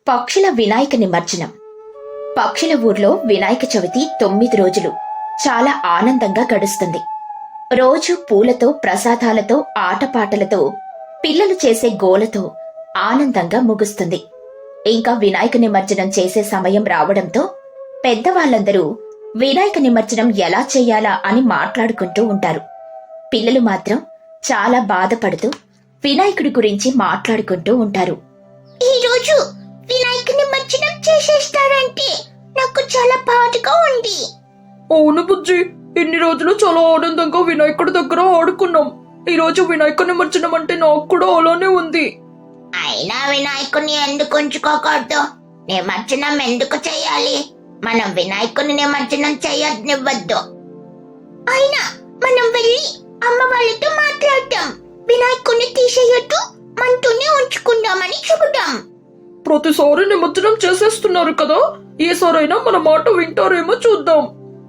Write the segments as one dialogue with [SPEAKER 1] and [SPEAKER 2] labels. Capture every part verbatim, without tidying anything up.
[SPEAKER 1] పక్షుల వినాయక నిమజ్జనం. పక్షుల ఊర్లో వినాయక చవితి తొమ్మిది రోజులు చాలా ఆనందంగా గడుస్తుంది. రోజు పూలతో, ప్రసాదాలతో, ఆటపాటలతో, పిల్లలు చేసే గోలతో ఆనందంగా ముగుస్తుంది. ఇంకా వినాయక నిమజ్జనం చేసే సమయం రావడంతో పెద్దవాళ్లందరూ వినాయక నిమజ్జనం ఎలా చెయ్యాలా అని మాట్లాడుకుంటూ ఉంటారు. పిల్లలు మాత్రం చాలా బాధపడుతూ వినాయకుడి గురించి మాట్లాడుకుంటూ ఉంటారు.
[SPEAKER 2] ఈ రోజు వినాయక నిమజ్జనం చేసేస్తారంటే నాకు చాలా బాధగా ఉంది.
[SPEAKER 3] అవును బుజ్జి, ఇన్ని రోజులు చాలా ఆనందంగా వినాయకుడి దగ్గర ఆడుకున్నాం. ఈ రోజు వినాయక నిమజ్జనం అంటే నాకు కూడా అలానే ఉంది.
[SPEAKER 2] అయినా వినాయకుని ఎందుకు ఉంచుకోకూడదు? నిమజ్జనం ఎందుకు చెయ్యాలి? మనం వినాయకుని నిమజ్జనం చెయ్యనివ్వద్దు. అయినా మనం వెళ్ళి అమ్మ వాళ్ళతో మాట్లాడతాం. వినాయకుని తీసేయొద్దు, మనతోనే ఉంచుకుందామని చెబుతాం.
[SPEAKER 3] ప్రతిసారి నిమజ్జనం చేసేస్తున్నారు కదా, ఈసారైనా మన మాట వింటారేమో చూద్దాం.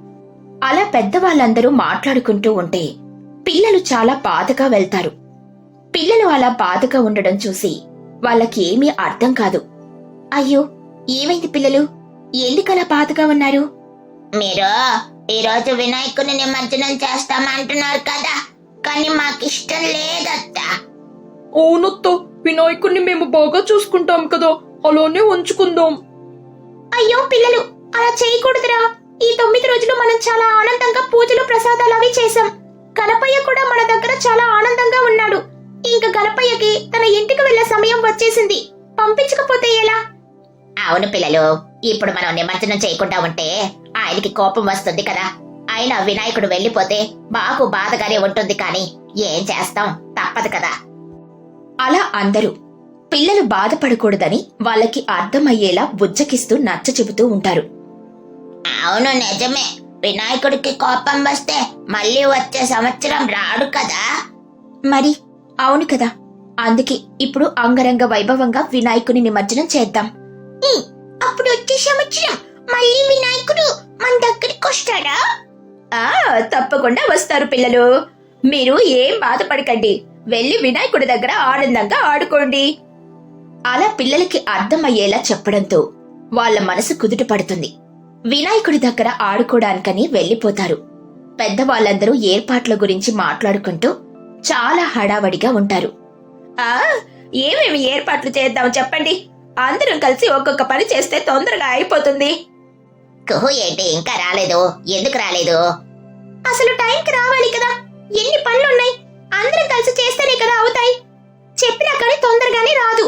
[SPEAKER 1] అలా పెద్దవాళ్ళందరూ మాట్లాడుకుంటూ ఉంటే పిల్లలు చాలా బాధగా వెళ్తారు. పిల్లలు అలా బాధగా ఉండడం చూసి వాళ్ళకి ఏమీ అర్థం కాదు. అయ్యో, ఏమైంది పిల్లలు? ఎందుకలా బాధగా ఉన్నారు?
[SPEAKER 2] మీరు ఈ రోజు వినాయకుని నిమజ్జనం చేస్తామంటున్నారు కదా, కానీ మాకిష్టం లేదత్తా.
[SPEAKER 3] అవునత్త, వినాయకుడిని మేము బాగా చూసుకుంటాం కదా, అలానే ఉంచుకుందాం.
[SPEAKER 1] అయ్యో పిల్లలు, అలా చేయకూడదురా. ఈ తొమ్మిది రోజులు మనం చాలా ఆనందంగా పూజలు, ప్రసాదాలు అవి చేశాం. గణపయ్య కూడా మన దగ్గర చాలా ఆనందంగా ఉన్నాడు. ఇంకా గణపయ్యకి తన ఇంటికి వెళ్లే సమయం వచ్చేసింది. పంపించకపోతే ఎలా?
[SPEAKER 2] అవును పిల్లలు, ఇప్పుడు మనం నిమజ్జనం చేయకుండా ఉంటే ఆయనకి కోపం వస్తుంది కదా. అయినా వినాయకుడు వెళ్లిపోతే బాగు బాధగానే ఉంటుంది, కానీ ఏం చేస్తాం, తప్పదు కదా.
[SPEAKER 1] అలా అందరూ పిల్లలు బాధపడకూడదని వాళ్ళకి అర్థమయ్యేలా బుజ్జకిస్తూ నచ్చ చెబుతూ ఉంటారు.
[SPEAKER 2] అవును, నిజమే. వినాయకుడికి కోపం వస్తే మళ్ళీ వచ్చే సంవత్సరం రాడు కదా.
[SPEAKER 1] మరి అవును కదా, అందుకే ఇప్పుడు అంగరంగ వైభవంగా వినాయకుని నిమజ్జనం చేద్దాం.
[SPEAKER 2] అప్పుడు వచ్చే సంవత్సరం మళ్ళీ వినాయకుడు మన దగ్గరికి వస్తాడా?
[SPEAKER 1] ఆ తప్పకుండా వస్తారు పిల్లలు. మీరు ఏం బాధపడకండి, వెళ్లి వినాయకుడి దగ్గర ఆనందంగా ఆడుకోండి. అలా పిల్లలకి అర్థమయ్యేలా చెప్పడంతో వాళ్ళ మనసు కుదుట పడుతుంది. వినాయకుడి దగ్గర ఆడుకోవడానికని వెళ్లిపోతారు. పెద్దవాళ్ళందరూ ఏర్పాట్ల గురించి మాట్లాడుకుంటూ చాలా హడావడిగా ఉంటారు. ఆ ఏమేమి ఏర్పాట్లు చేద్దాం చెప్పండి. అందరం కలిసి ఒక్కొక్క పని చేస్తే తొందరగా అయిపోతుంది.
[SPEAKER 2] కుహు ఏంటి ఇంకా రాలేదు? ఎందుకు రాలేదు?
[SPEAKER 1] అసలు టైంకి రావాలి కదా, ఎన్ని పనులున్నాయి. అందరం కలిసి చేస్తేనే కదా అవుతాయి. చెప్పినా కానీ తొందరగానే రాదు.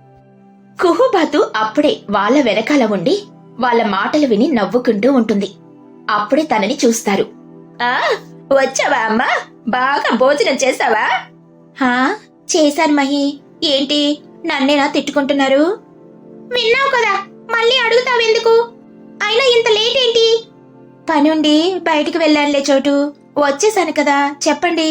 [SPEAKER 1] కుహుబాతు అప్పుడే వాళ్ళ వెనకాల ఉండి వాళ్ళ మాటలు విని నవ్వుకుంటూ ఉంటుంది. అప్పుడే తనని చూస్తారు. ఆ వచ్చావా అమ్మా? బాగా భోజనం చేసావా? హా చేశాను మహి. ఏంటి నన్నేనా తిట్టుకుంటున్నారు? విన్నావు కదా, మళ్ళీ అడుగుతావెందుకు? అయినా ఇంత లేట్ ఏంటి? పనుండి బయటికి వెళ్ళానులే చోటు. వచ్చేసాను కదా, చెప్పండి.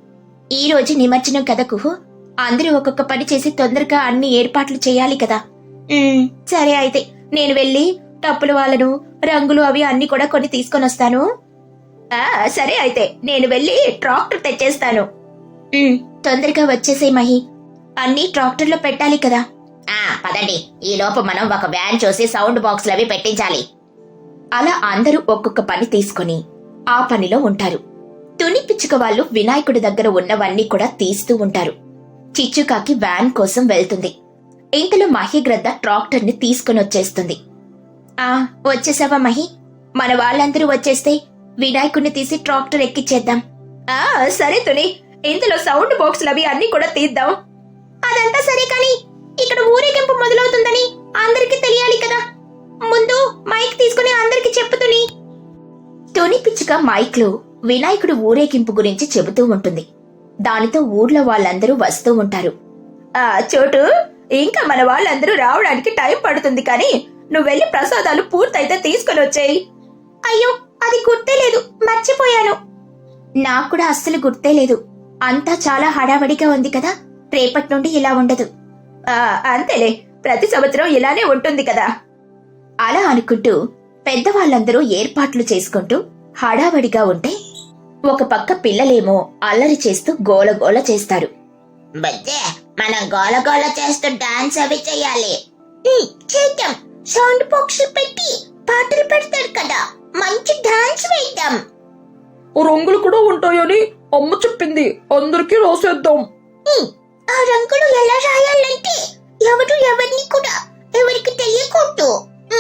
[SPEAKER 1] ఈ రోజు నిమజ్జనం కదా కుహు, అందరూ ఒక్కొక్క పని చేసి తొందరగా అన్ని ఏర్పాట్లు చేయాలి కదా. ఉమ్, సరే అయితే నేను వెళ్ళి టప్పులు వాళ్ళను, రంగులు అవి అన్ని కూడా కొన్ని తీసుకొని వస్తాను. ఆ సరే అయితే నేను వెళ్ళి ట్రాక్టర్ తెచ్చేస్తాను. ఉమ్, తొందరగా వచ్చేసే మహి, అన్ని ట్రాక్టర్లో పెట్టాలి కదా.
[SPEAKER 2] ఆ పదండి, ఈ లోపు మనం ఒక వ్యాన్ చూసి సౌండ్ బాక్స్లు అవి పెట్టించాలి.
[SPEAKER 1] అలా అందరూ ఒక్కొక్క పని తీసుకుని ఆ పనిలో ఉంటారు. తుని పిచ్చుక వాళ్ళు వినాయకుడి దగ్గర ఉన్నవన్నీ కూడా తీస్తూ ఉంటారు. చిచ్చుకాకి వ్యాన్ కోసం వెళ్తుంది. ఇంతలో మహిగ్రద్ద ట్రాక్టర్ ని తీసుకుని వచ్చేస్తుంది. ఆ వచ్చేసావా మహి? మన వాళ్ళందరూ వచ్చేస్తే వినాయకుడిని తీసి ట్రాక్టర్ ఎక్కిచ్చేద్దాం. ఆ సరే తుని, ఇందులో సౌండ్ బాక్సులు అవి అన్ని కూడా తీద్దాం. అదంతా సరే కాని ఇక్కడ ఊరేగింపు మొదలవుతుందని అందరికీ తెలియాలి కదా. ముందు మైక్ తీసుకుని అందరికి చెప్పుతుని. తుని పిచ్చుక మైక్ లో వినాయకుడు ఊరేగింపు గురించి చెబుతూ ఉంటుంది. దానితో ఊర్లో వాళ్ళందరూ వస్తూ ఉంటారు. ఆ చోటు, ఇంకా మన వాళ్ళందరూ రావడానికి టైం పడుతుంది, కానీ నువ్వు వెళ్లి ప్రసాదాలు పూర్తయితే తీసుకుని వచ్చేయి. అయ్యో అది గుర్తే లేదు, మర్చిపోయాను. నాకు కూడా అస్సలు గుర్తే లేదు. అంతా చాలా హడావడిగా ఉంది కదా, రేపటి నుండి ఇలా ఉండదు. ఆ అంతేలే, ప్రతి సంవత్సరం ఇలానే ఉంటుంది కదా. అలా అనుకుంటూ పెద్దవాళ్ళందరూ ఏర్పాట్లు చేసుకుంటూ హడావడిగా ఉంటే ఒక పక్క పిల్లలేమో అల్లరి చేస్తూ గోలగోల చేస్తారు.
[SPEAKER 2] బజ్జే, మనం గోల గోల చేస్తూ డాన్స్ అవి చెయ్యాలి. చేద్దాం. సౌండ్ బాక్స్ పెట్టి పాటలు పెడతారు కదా, మంచి డాన్స్ వేద్దాం.
[SPEAKER 3] రంగులు కూడా ఉంటాయని అమ్మ చెప్పింది, అందరికీ రాసేద్దాం.
[SPEAKER 2] ఆ రంగులు ఎలా రాయాలంటే ఎవరు ఎవరిని కూడా ఎవరికి తెలియకూడదు.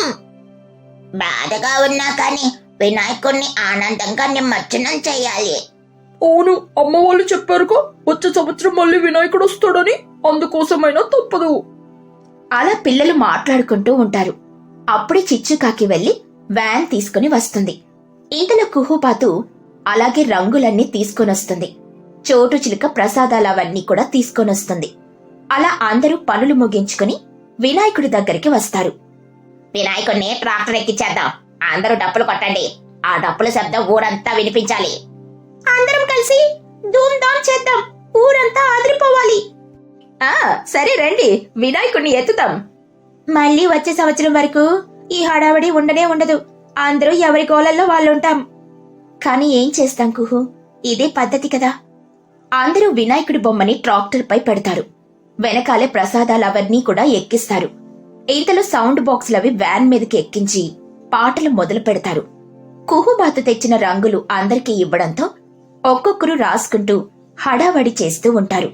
[SPEAKER 2] బాధగా ఉన్నా కానీ వినాయకుడిని ఆనందంగా నిమజ్జనం చేయాలి.
[SPEAKER 3] అవును, అమ్మ వాళ్ళు చెప్పారుగా వచ్చే సంవత్సరం మళ్ళీ వినాయకుడు వస్తాడని, అందుకోసమైనా తప్పదు.
[SPEAKER 1] అలా పిల్లలు మాట్లాడుకుంటూ ఉంటారు. అప్పుడే చిచ్చుకాకి వెళ్లి వ్యాన్ తీసుకుని వస్తుంది. ఇంతలో కుహుబాతు అలాగే రంగులన్నీ తీసుకొనొస్తుంది. చోటు చిలుక ప్రసాదాలవన్నీ కూడా తీసుకొనొస్తుంది. అలా అందరూ పనులు ముగించుకుని వినాయకుడి దగ్గరికి వస్తారు.
[SPEAKER 2] వినాయకుడిని ట్రాక్టర్ ఎక్కించేద్దాం. అందరూ డప్పులు కొట్టండి. ఆ డప్పుల శబ్దం ఊరంతా వినిపించాలి.
[SPEAKER 1] అందరం కలిసి ధూమ్ ధామ్ చేద్దాం, ఊరంతా ఆదిరిపోవాలి. ఆ సరే రండి, వినాయకుడిని ఎత్తుతాం. మళ్ళీ వచ్చే సంవత్సరం వరకు ఈ హడావడి ఉండనే ఉండదు. అందరూ ఎవరి గోలల్లో వాళ్ళుంటాం. కాని ఏం చేస్తాం కుహు, ఇదే పద్ధతి కదా. అందరూ వినాయకుడి బొమ్మని ట్రాక్టర్ పై పెడతారు. వెనకాలే ప్రసాదాలవన్నీ కూడా ఎక్కిస్తారు. ఇంతలో సౌండ్ బాక్సులవి వ్యాన్ మీదకి ఎక్కించి పాటలు మొదలు పెడతారు. కుహుబాతు తెచ్చిన రంగులు అందరికీ ఇవ్వడంతో ఒక్కొక్కరు రాసుకుంటూ హడావడి చేస్తూ ఉంటారు.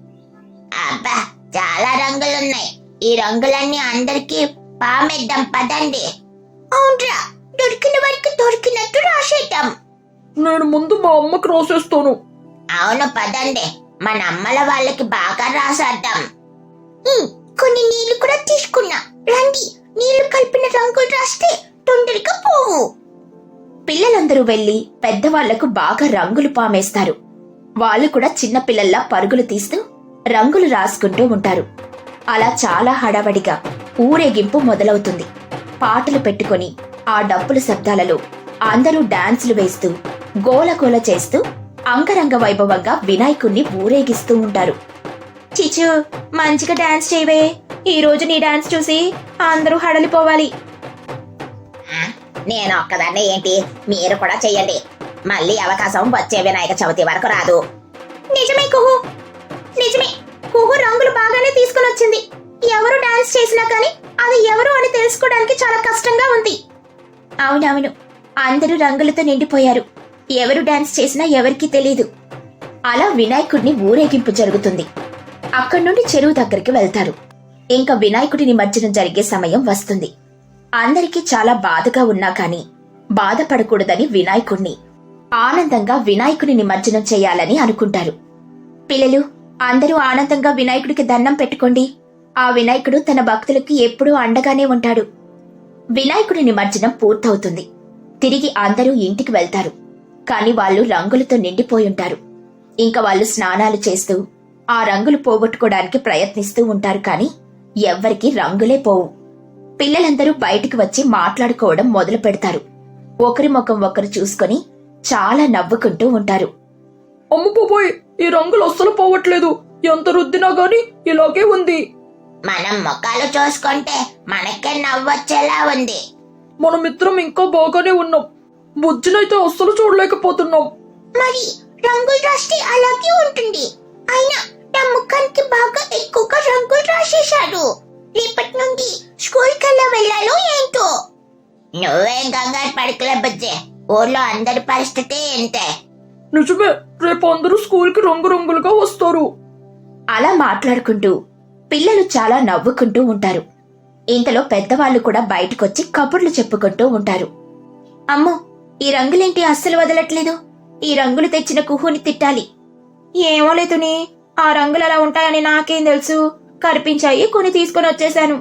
[SPEAKER 2] అబ్బా, చాలా రంగులున్నాయి. ఈ రంగులన్నీ అందరికీ పామేద్దాం పదండి. అవునరా, దొరికిన వారికి దొరికినట్టు రాసేద్దాం.
[SPEAKER 3] నేను ముందు మా అమ్మకి రాసేస్తాను.
[SPEAKER 2] అవును పదండి, మన అమ్మల వాళ్ళకి బాగా రాసేద్దాం. కొన్ని నీళ్లు కూడా తీసుకున్నా, రండి. నీళ్లు కలిపిన రంగులు రాస్తే తొందరగా పోవు.
[SPEAKER 1] పిల్లలందరూ వెళ్లి పెద్దవాళ్లకు బాగా రంగులు పామేస్తారు. వాళ్ళు కూడా చిన్న పిల్లల్లా పరుగులు తీస్తూ రంగులు రాసుకుంటూ ఉంటారు. అలా చాలా హడావడిగా ఊరేగింపు మొదలవుతుంది. పాటలు పెట్టుకుని ఆ డప్పుల శబ్దాలలో అందరూ డాన్సులు వేస్తూ గోలగోల చేస్తూ అంగరంగ వైభవంగా వినాయకుణ్ణి ఊరేగిస్తూ ఉంటారు. చిచు, మంచిగా డాన్స్ చేయవే. ఈ రోజు నీ డాన్స్ చూసి అందరూ హడలిపోవాలి.
[SPEAKER 2] నేను ఒక్కదాన్నే ఏంటి, మీరు కూడా చెయ్యండి. మళ్ళీ అవకాశం వచ్చే వినాయక చవితి వరకు రాదు.
[SPEAKER 1] నిజమే కుహు, నిజమే. కుహు రంగులు బాగానే తీసుకుని వచ్చింది. ఎవరు డాన్స్ చేసినా కానీ అది ఎవరు అని తెలుసుకోవడానికి చాలా కష్టంగా ఉంది. అవునవును, అందరూ రంగులతో నిండిపోయారు. ఎవరు డాన్స్ చేసినా ఎవరికీ తెలీదు. అలా వినాయకుడిని ఊరేగింపు జరుగుతుంది. అక్కడి నుండి చెరువు దగ్గరికి వెళ్తారు. ఇంకా వినాయకుడి నిమజ్జనం జరిగే సమయం వస్తుంది. అందరికీ చాలా బాధగా ఉన్నా కాని బాధపడకూడదని వినాయకుడిని ఆనందంగా వినాయకుడి నిమజ్జనం చేయాలని అనుకుంటారు. పిల్లలు, అందరూ ఆనందంగా వినాయకుడికి దండం పెట్టుకోండి. ఆ వినాయకుడు తన భక్తులకి ఎప్పుడూ అండగానే ఉంటాడు. వినాయకుడి నిమజ్జనం పూర్తవుతుంది. తిరిగి అందరూ ఇంటికి వెళ్తారు. కాని వాళ్ళు రంగులతో నిండిపోయుంటారు. ఇంకా వాళ్ళు స్నానాలు చేస్తూ ఆ రంగులు పోగొట్టుకోవడానికి ప్రయత్నిస్తూ ఉంటారు. కాని ఎవ్వరికీ రంగులే పోవు. పిల్లలందరూ బయటికి వచ్చి మాట్లాడుకోవడం మొదలు పెడతారు. ఒకరి ముఖం ఒకరు చూసుకొని చాలా నవ్వుకుంటూ ఉంటారు.
[SPEAKER 3] అమ్మ బాబోయ్, ఈ రంగులు అస్సలు పోవట్లేదు. ఎంత రుద్దినా గాని ఇలాగే ఉంది.
[SPEAKER 2] మనం ముఖాలు చూసుకుంటే మనకే నవ్వొచ్చేలా ఉంది.
[SPEAKER 3] మనమిద్దరం ఇంకా బాగానే ఉన్నాం. బుజ్జినైతే అస్సలు చూడలేకపోతున్నాం.
[SPEAKER 2] మరి రంగులు రాస్తే అలాగే ఉంటుంది. అయినా నా ముఖానికి బాగా ఎక్కువగా రంగులు రాసేశాడు. రేపటి నుండి స్కూల్ కల్లా వెళ్ళాలో ఏంటో. నువ్వేం కంగారు పడకలే బుజ్జే, ఊర్లో అందరి పరిస్థితి ఏంటే.
[SPEAKER 3] నిజమే, రేపు అందరూ స్కూల్ కి రంగురంగులుగా వస్తారు.
[SPEAKER 1] అలా మాట్లాడుకుంటూ పిల్లలు చాలా నవ్వుకుంటూ ఉంటారు. ఇంతలో పెద్దవాళ్లు కూడా బయటకొచ్చి కబుర్లు చెప్పుకుంటూ ఉంటారు. అమ్మో, ఈ రంగులేంటి అస్సలు వదలట్లేదు. ఈ రంగులు తెచ్చిన కుహుని తిట్టాలి. ఏమో లేదుని, ఆ రంగులు అలా ఉంటాయని నాకేం తెలుసు. కనిపించాయి, కొని తీసుకొని వచ్చేశాను.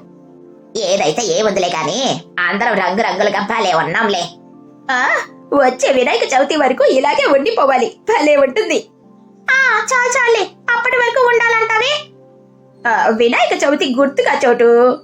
[SPEAKER 2] ఏదైతే ఏ వదిలే గాని అందరం రంగు రంగులుగా భలే ఉన్నాంలే.
[SPEAKER 1] ఆ వచ్చే వినాయక చవితి వరకు ఇలాగే ఉండిపోవాలి. భలే ఉంటుంది. ఆ చాలు చాలే, అప్పటి వరకు ఉండాలంటావే. వినాయక చవితి గుర్తుగా చోటు.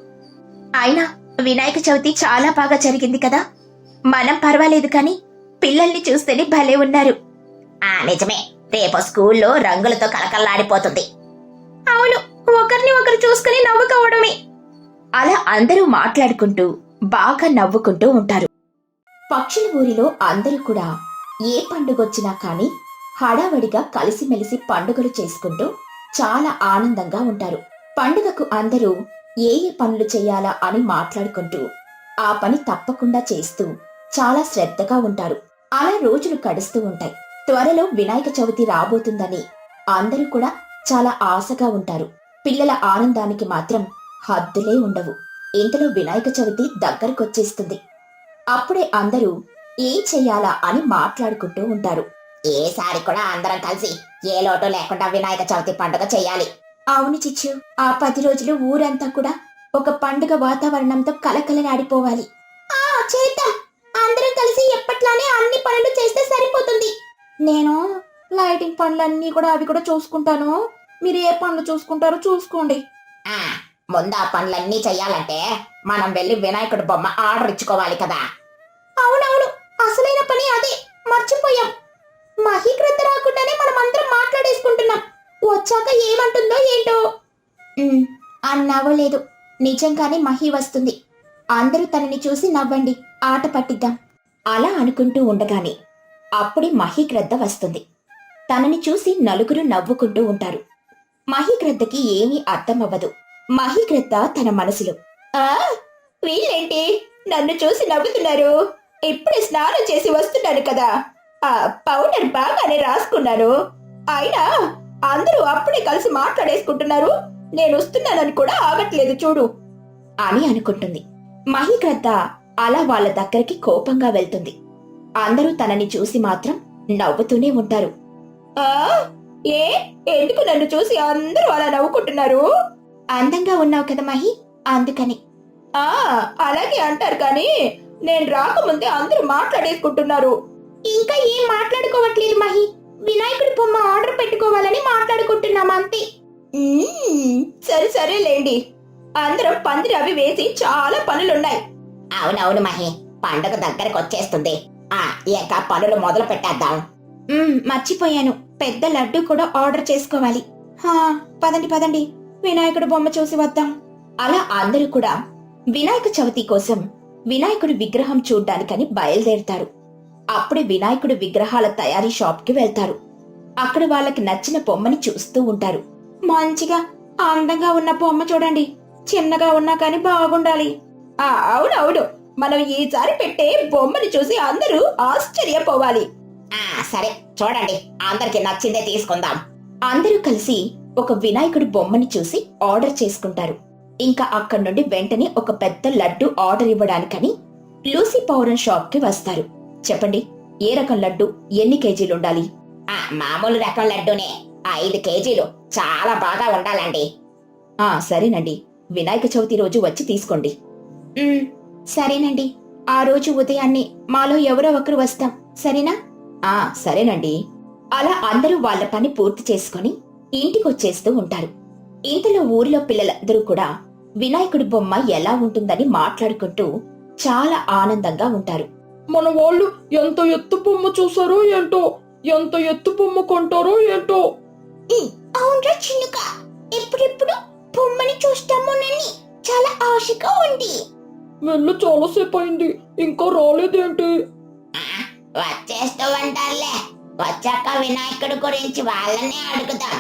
[SPEAKER 1] అయినా వినాయక చవితి చాలా బాగా జరిగింది కదా. మనం పర్వాలేదు కాని పిల్లల్ని చూస్తేనే భలే ఉన్నారు.
[SPEAKER 2] ఆ నిజమే, రేపు స్కూల్లో రంగులతో కలకల్లాడిపోతుంది.
[SPEAKER 1] అవును, ఒకరిని ఒకరు చూసుకుని నవ్వుకోవడమే. అలా అందరూ మాట్లాడుకుంటూ బాగా నవ్వుకుంటూ ఉంటారు. పక్షుల ఊరిలో అందరూ కూడా ఏ పండుగొచ్చినా కాని హడావడిగా కలిసిమెలిసి పండుగలు చేసుకుంటూ చాలా ఆనందంగా ఉంటారు. పండుగకు అందరూ ఏ ఏ పనులు చేయాలా అని మాట్లాడుకుంటూ ఆ పని తప్పకుండా చేస్తూ చాలా శ్రద్ధగా ఉంటారు. అలా రోజులు గడుస్తూ ఉంటాయి. త్వరలో వినాయక చవితి రాబోతుందని అందరూ కూడా చాలా ఆశగా ఉంటారు. పిల్లల ఆనందానికి మాత్రం హద్దులే ఉండవు. ఇంతలో వినాయక చవితి దగ్గరకొచ్చేస్తుంది. అప్పుడే అందరూ ఏం చెయ్యాలా అని మాట్లాడుకుంటూ ఉంటారు.
[SPEAKER 2] ఏసారి కూడా అందరం కలిసి ఏ లోటు లేకుండా వినాయక చవితి పండుగ చెయ్యాలి.
[SPEAKER 1] అవును చిచ్చు, ఆ పది రోజులు ఊరంతా కూడా ఒక పండుగ వాతావరణంతో కలకలలాడిపోవాలి.
[SPEAKER 2] ఆ చేద్దాం. అందరం కలిసి ఎప్పట్లానే అన్ని పనులు చేస్తే సరిపోతుంది.
[SPEAKER 3] నేను లైటింగ్ పనులన్నీ కూడా అవి కూడా చూసుకుంటాను. మీరు ఏ పనులు చూసుకుంటారో చూసుకోండి.
[SPEAKER 2] ఆ ముందు ఆ పనులన్నీ చెయ్యాలంటే మనం వెళ్ళి వినాయకుడి బొమ్మ ఆర్డర్ ఇచ్చుకోవాలి కదా. అవునవును, అసలైన పని అదే, మర్చిపోయాం. మహీకృత రాకుండానే మనం అందరం మాట్లాడేసుకుంటున్నాం. వచ్చాక ఏమంటుందో ఏంటో.
[SPEAKER 1] ఉమ్, అన్నావో లేదు, నిజంగానే మహి వస్తుంది. అందరూ తనని చూసి నవ్వండి, ఆట పట్టిద్దాం. అలా అనుకుంటూ ఉండగానే అప్పుడే మహీగ్రద్ద వస్తుంది. తనని చూసి నలుగురు నవ్వుకుంటూ ఉంటారు. మహీగ్రద్దకి ఏమీ అర్థమవ్వదు. మహీగ్రద్ద తన మనసులో,
[SPEAKER 2] ఆ వీళ్ళేంటి నన్ను చూసి నవ్వుతున్నారు? ఇప్పుడే స్నానం చేసి వస్తున్నాను కదా, ఆ పౌడర్ బాగానే రాసుకున్నాను. అయినా అందరూ అప్పుడే కలిసి మాట్లాడేసుకుంటున్నారు. నేను వస్తున్నానని కూడా ఆగట్లేదు చూడు
[SPEAKER 1] అని అనుకుంటుంది. మహీగ్రద్ద అలా వాళ్ళ దగ్గరికి కోపంగా వెళ్తుంది. అందరూ తనని చూసి మాత్రం నవ్వుతూనే ఉంటారు.
[SPEAKER 2] ఆ ఏ ఎందుకు నన్ను చూసి అందరూ అలా నవ్వుకుంటున్నారు?
[SPEAKER 1] అందంగా ఉన్నావు కదా మహి, అందుకని.
[SPEAKER 2] ఆ అలాగే అంటారు కానీ నేను రాకముందే అందరూ మాట్లాడేసుకుంటున్నారు. ఇంకా ఏం మాట్లాడుకోవట్లేదు మహి, వినాయకుడి బొమ్మ ఆర్డర్ పెట్టుకోవాలని మాట్లాడుకుంటున్నాం అంతే. మ్మ్, సరే సరేలేండి. అందరం పందిరి అవి వేసి చాలా పనులున్నాయి. అవునవును మహి, పండుగ దగ్గరకు వచ్చేస్తుంది. ఆ ఇంకా పనులు మొదలు పెట్టేద్దాం.
[SPEAKER 1] ఉమ్, మర్చిపోయాను, పెద్ద లడ్డు కూడా ఆర్డర్ చేసుకోవాలి. హా, పదండి పదండి, వినాయకుడి బొమ్మ చూసి వద్దాం. అలా అందరూ కూడా వినాయక చవితి కోసం వినాయకుడి విగ్రహం చూడ్డానికని బయలుదేరుతారు. అప్పుడే వినాయకుడి విగ్రహాల తయారీ షాప్ కి వెళ్తారు. అక్కడ వాళ్ళకి నచ్చిన బొమ్మని చూస్తూ ఉంటారు. మంచిగా అందంగా ఉన్న బొమ్మ చూడండి, చిన్నగా ఉన్నా కానీ బాగుండాలి.
[SPEAKER 2] ఆ అవునవును, మనం ఈసారి పెట్టే బొమ్మని చూసి అందరూ ఆశ్చర్యపోవాలి. ఆ సరే చూడండి, అందరికి నచ్చిందే తీసుకుందాం.
[SPEAKER 1] అందరూ కలిసి ఒక వినాయకుడి బొమ్మని చూసి ఆర్డర్ చేసుకుంటారు. ఇంకా అక్కడి నుండి వెంటనే ఒక పెద్ద లడ్డు ఆర్డర్ ఇవ్వడానికని లూసీ పౌరన్ షాప్ కి వస్తారు. చెప్పండి, ఏ రకం లడ్డు ఎన్ని కేజీలు ఉండాలి?
[SPEAKER 2] ఆ మామూలు రకం లడ్డూనే, ఐదు కేజీలు, చాలా బాగా ఉండాలండి.
[SPEAKER 1] ఆ సరేనండి, వినాయక చవితి రోజు వచ్చి తీసుకోండి. ఉమ్, సరేనండి, ఆ రోజు ఉదయాన్నే మాలో ఎవరో ఒకరు వస్తాం, సరేనా? ఆ సరేనండి. అలా అందరూ వాళ్ళ పని పూర్తి చేసుకుని ఇంటికొచ్చేస్తూ ఉంటారు. ఇంతలో ఊరిలో పిల్లలందరూ కూడా వినాయకుడి బొమ్మ ఎలా ఉంటుందని మాట్లాడుకుంటూ చాలా ఆనందంగా ఉంటారు.
[SPEAKER 3] మన వాళ్ళు ఎంత ఎత్తు బొమ్మ చూసారో ఏంటో, ఎంత ఎత్తు బొమ్మ కొంటారో ఏంటో.
[SPEAKER 2] అవునరా చిన్నుక, ఎప్పుడెప్పుడు బొమ్మని చూస్తామోనని చాలా ఆశగా ఉంది.
[SPEAKER 3] వెళ్ళి చాలాసేపు అయింది, ఇంకా రాలేదేంటి?
[SPEAKER 2] వచ్చేస్తూ ఉంటారులే, వచ్చాక వినాయకుడి గురించి వాళ్ళనే అడుగుదాం.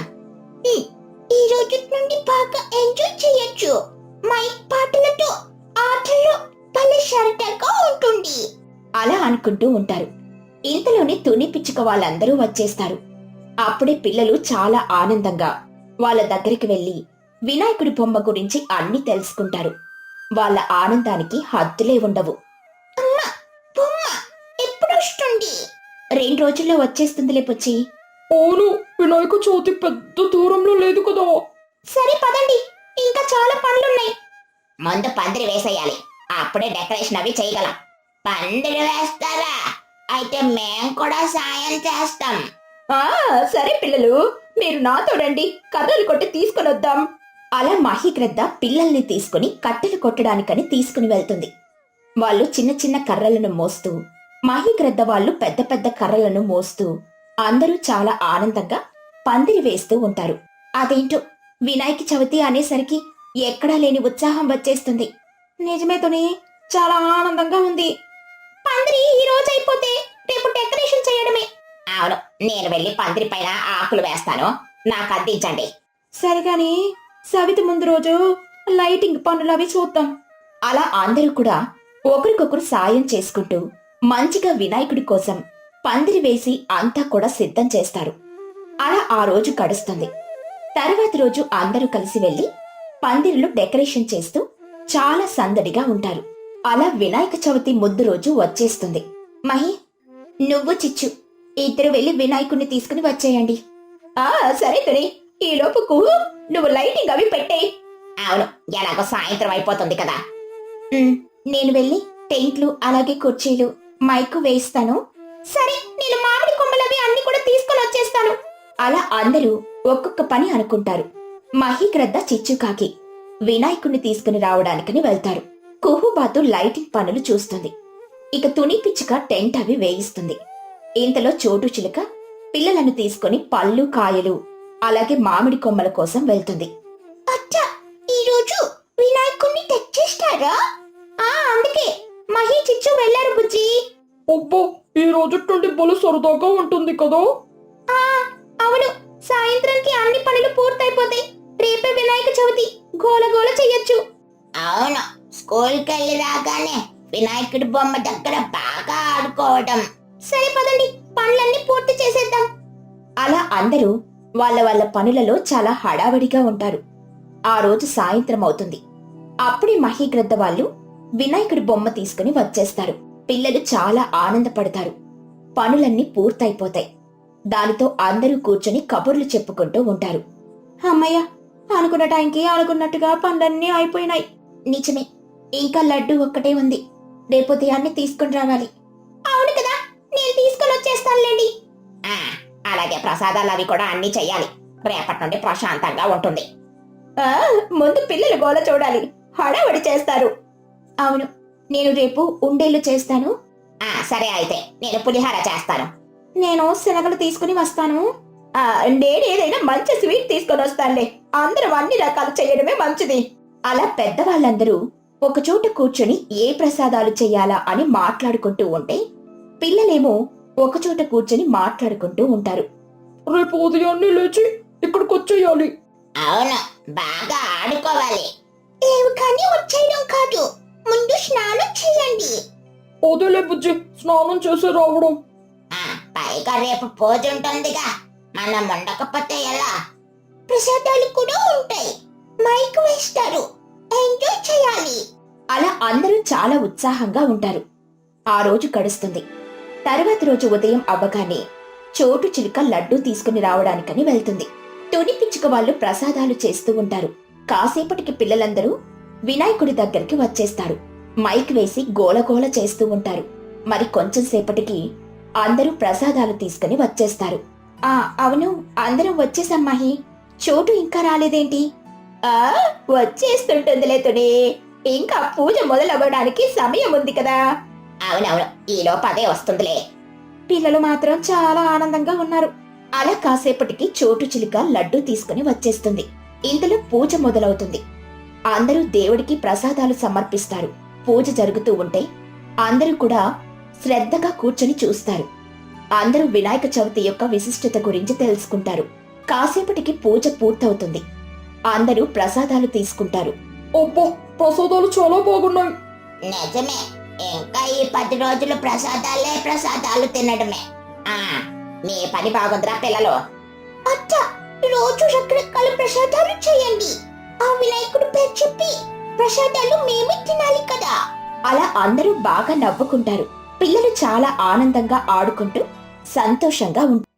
[SPEAKER 2] ఈ రోజు నుండి బాగా ఎంజాయ్ చేయొచ్చు. మైక్ పాటలతో ఆటలు భలే సరదాగా ఉంటుంది.
[SPEAKER 1] అలా అనుకుంటూ ఉంటారు. ఇంతలోనే తుని పిచ్చుక వాళ్ళందరూ వచ్చేస్తారు. అప్పుడే పిల్లలు చాలా ఆనందంగా వాళ్ళ దగ్గరికి వెళ్లి వినాయకుడి బొమ్మ గురించి అన్ని తెలుసుకుంటారు. వాళ్ళ ఆనందానికి హద్దులే ఉండవు.
[SPEAKER 2] అమ్మా, బొమ్మ ఎప్పుడు వస్తుంది?
[SPEAKER 1] రెండు రోజుల్లో వచ్చేస్తుందిలే పుచ్చి.
[SPEAKER 3] అవును, వినాయక చవితి పెద్ద దూరంలో లేదు కదా.
[SPEAKER 2] సరే పదండి, ఇంకా చాలా పనులున్నాయి. ముందు పందిరి వేసేయాలి, అప్పుడే డెకరేషన్ అవి చేయగలం. పందిరి వేస్తారా? అయితే మేం కూడా సాయం చేస్తాం. ఆ సరే పిల్లలు, మీరు నాతో రండి, కర్రలు కొట్టి తీసుకుని వద్దాం.
[SPEAKER 1] అలా మహిగ్రద్ద పిల్లల్ని తీసుకుని కట్టెలు కొట్టడానికని తీసుకుని వెళ్తుంది. వాళ్ళు చిన్న చిన్న కర్రలను మోస్తూ, మహిగ్రద్ద వాళ్ళు పెద్ద పెద్ద కర్రలను మోస్తూ అందరూ చాలా ఆనందంగా పందిరి వేస్తూ ఉంటారు. అదేంటో వినాయక చవితి అనేసరికి ఎక్కడా లేని ఉత్సాహం వచ్చేస్తుంది.
[SPEAKER 3] నిజమే తుని, చాలా ఆనందంగా ఉంది.
[SPEAKER 2] పందిరి ఈ రోజు అయిపోతే రేపు డెకరేషన్ చేయడమే. అవును, నేను వెళ్ళి పందిరి పైన ఆకులు వేస్తాను, నాకు అందించండి.
[SPEAKER 3] సరే గాని సవితి ముందు రోజు లైటింగ్ పనులు అవి చూద్దాం.
[SPEAKER 1] అలా అందరూ కూడా ఒకరికొకరు సాయం చేసుకుంటూ మంచిగా వినాయకుడి కోసం పందిరి వేసి అంతా కూడా సిద్ధం చేస్తారు. అలా ఆ రోజు గడుస్తుంది. తర్వాతి రోజు అందరూ కలిసి వెళ్లి పందిరిలో డెకరేషన్ చేస్తూ చాలా సందడిగా ఉంటారు. అలా వినాయక చవితి ముద్దు రోజు వచ్చేస్తుంది. మహి, నువ్వు చిచ్చు ఇద్దరు వెళ్లి వినాయకుడిని తీసుకుని వచ్చేయండి. ఆ సరే తుని, ఈ లోపుకు నువ్వు లైటింగ్ అవి పెట్టేయి.
[SPEAKER 2] అవును, ఎలాగో సాయంత్రం అయిపోతుంది కదా.
[SPEAKER 1] ఉమ్, నేను వెళ్ళి టెంట్లు అలాగే కుర్చీలు మైకు వేస్తాను.
[SPEAKER 2] సరే, నేను మామిడి కొమ్మలవి అన్ని కూడా తీసుకొని వచ్చేస్తాను.
[SPEAKER 1] అలా అందరూ ఒక్కొక్క పని అనుకుంటారు. మహిగ్రద్ద చిచ్చుకాకి వినాయకుణ్ణి తీసుకుని రావడానికని వెళ్తారు. కుహుబాతు లైటింగ్ పనులు చూస్తుంది. ఇక తుని పిచ్చుక టెంట్ అవి వేయిస్తుంది. ఇంతలో చోటు చిలుక పిల్లలను తీసుకుని పళ్ళు కాయలు అలాగే మామిడి కొమ్మల కోసం వెళ్తుంది.
[SPEAKER 2] అచ్చా, ఈ రోజు వినాయకుడిని తెచ్చేస్తారా? ఆ అందుకే మహి చిచ్చు వెళ్ళారు బుజ్జి.
[SPEAKER 3] అబ్బో, ఈ రోజు నుండి బలు సరదాగా ఉంటుంది కదా.
[SPEAKER 2] ఆ అవును, సాయంత్రానికి అన్ని పనులు పూర్తయిపోతాయి. రేపే వినాయక చవితి, గోల గోల చెయ్యొచ్చు. అవును, స్కూల్కి వెళ్ళి రాగానే వినాయకుడి బొమ్మ దగ్గర బాగా ఆడుకోవడం. సరే పదండి, పనులన్నీ పూర్తి చేసేద్దాం.
[SPEAKER 1] అలా అందరూ వాళ్ళ వాళ్ళ పనులలో చాలా హడావడిగా ఉంటారు. ఆ రోజు సాయంత్రం అవుతుంది. అప్పుడే మహిగ్రద్ద వాళ్ళు వినాయకుడి బొమ్మ తీసుకుని వచ్చేస్తారు. పిల్లలు చాలా ఆనందపడతారు. పనులన్నీ పూర్తయిపోతాయి. దానితో అందరూ కూర్చొని కబుర్లు చెప్పుకుంటూ ఉంటారు. అమ్మయ్య, అనుకున్న టైంకి అనుకున్నట్టుగా పనులన్నీ అయిపోయినాయి. నిజమే, ఇంకా లడ్డు ఒక్కటే ఉంది. రేపు ఉదయాన్నే తీసుకుని రావాలి.
[SPEAKER 2] అవును కదా, నేను తీసుకొని వచ్చేస్తానులేండి. అలాగే ప్రసాదాలు అవి కూడా అన్ని చెయ్యాలి. రేపటి నుండి ప్రశాంతంగా ఉంటుంది.
[SPEAKER 1] ఆ ముందు పిల్లలు గోల చూడాలి, హడావడి చేస్తారు. అవును, నేను రేపు ఉండేళ్ళు చేస్తాను.
[SPEAKER 2] ఆ సరే, అయితే నేను పులిహార చేస్తాను.
[SPEAKER 1] నేను శనగలు తీసుకుని వస్తాను. ఆ నేను ఏదైనా మంచి స్వీట్ తీసుకొని వస్తానులే. అందరం అన్ని రకాలు చేయడమే మంచిది. అలా పెద్దవాళ్ళందరూ ఒకచోట కూర్చొని ఏ ప్రసాదాలు చెయ్యాలా అని మాట్లాడుకుంటూ ఉంటే పిల్లలేమో ఒకచోట కూర్చొని మాట్లాడుకుంటూ ఉంటారు.
[SPEAKER 3] రేపు ఉదయాన్నే లేచి ఇక్కడికి వచ్చేయాలి.
[SPEAKER 2] అవును, బాగా ఆడుకోవాలి. లేవు కానీ వచ్చేయడం కాదు, ముందు స్నానం చేయండి.
[SPEAKER 3] అదేలే బుజ్జి, స్నానం చేసి రావడం.
[SPEAKER 2] ఆ, పైగా రేపు పూజ ఉంటుందిగా, మనం ఉండకపోతే ఎలా? ప్రసాదాలు కూడా ఉంటాయి, మైక్ వేస్తారు, ఎంజాయ్ చేయాలి.
[SPEAKER 1] అలా అందరూ చాలా ఉత్సాహంగా ఉంటారు. ఆ రోజు గడుస్తుంది. తర్వాత రోజు ఉదయం అవ్వగానే చోటు చిలుక లడ్డూ తీసుకుని రావడానికని వెళ్తుంది. తుని పిచ్చుక వాళ్ళు ప్రసాదాలు చేస్తూ ఉంటారు. కాసేపటికి పిల్లలందరూ వినాయకుడి దగ్గరికి వచ్చేస్తారు. మైక్ వేసి గోలగోల చేస్తూ ఉంటారు. మరి కొంచెం సేపటికి అందరూ ప్రసాదాలు తీసుకుని వచ్చేస్తారు. ఆ అవును, అందరం వచ్చేసమ్మాహి. చోటు ఇంకా రాలేదేంటి? ఆ వచ్చేస్తుంటుందిలే తుని, ఇంకా పూజ మొదలవ్వడానికి సమయం ఉంది కదా.
[SPEAKER 2] అవునవును, ఈలో పదే వస్తుందిలే.
[SPEAKER 1] పిల్లలు మాత్రం చాలా ఆనందంగా ఉన్నారు. అలా కాసేపటికి చోటు చిలుక లడ్డూ తీసుకుని వచ్చేస్తుంది. ఇంతలో పూజ మొదలవుతుంది. అందరూ దేవుడికి ప్రసాదాలు సమర్పిస్తారు. పూజ జరుగుతూ ఉంటే అందరూ కూడా శ్రద్ధగా కూర్చొని చూస్తారు. అందరూ వినాయక చవితి యొక్క విశిష్టత గురించి తెలుసుకుంటారు. కాసేపటికి పూజ పూర్తవుతుంది. అందరూ ప్రసాదాలు తీసుకుంటారు.
[SPEAKER 3] అబ్బో, ప్రసాదాలు చాలా బాగున్నాయి.
[SPEAKER 2] నిజమే, ఇంకా ఈ పది రోజులు ప్రసాదాలే ప్రసాదాలు తినడమే. ఆ మీ పని బాగుందిరా పిల్లలు. అచ్చా, రోజు రకరకాల ప్రసాదాలు చేయండి. ఆ వినాయకుడు పేరు చెప్పి ప్రసాదాలు మేమే తినాలి కదా.
[SPEAKER 1] అలా అందరూ బాగా నవ్వుకుంటారు. పిల్లలు చాలా ఆనందంగా ఆడుకుంటూ సంతోషంగా ఉంటారు.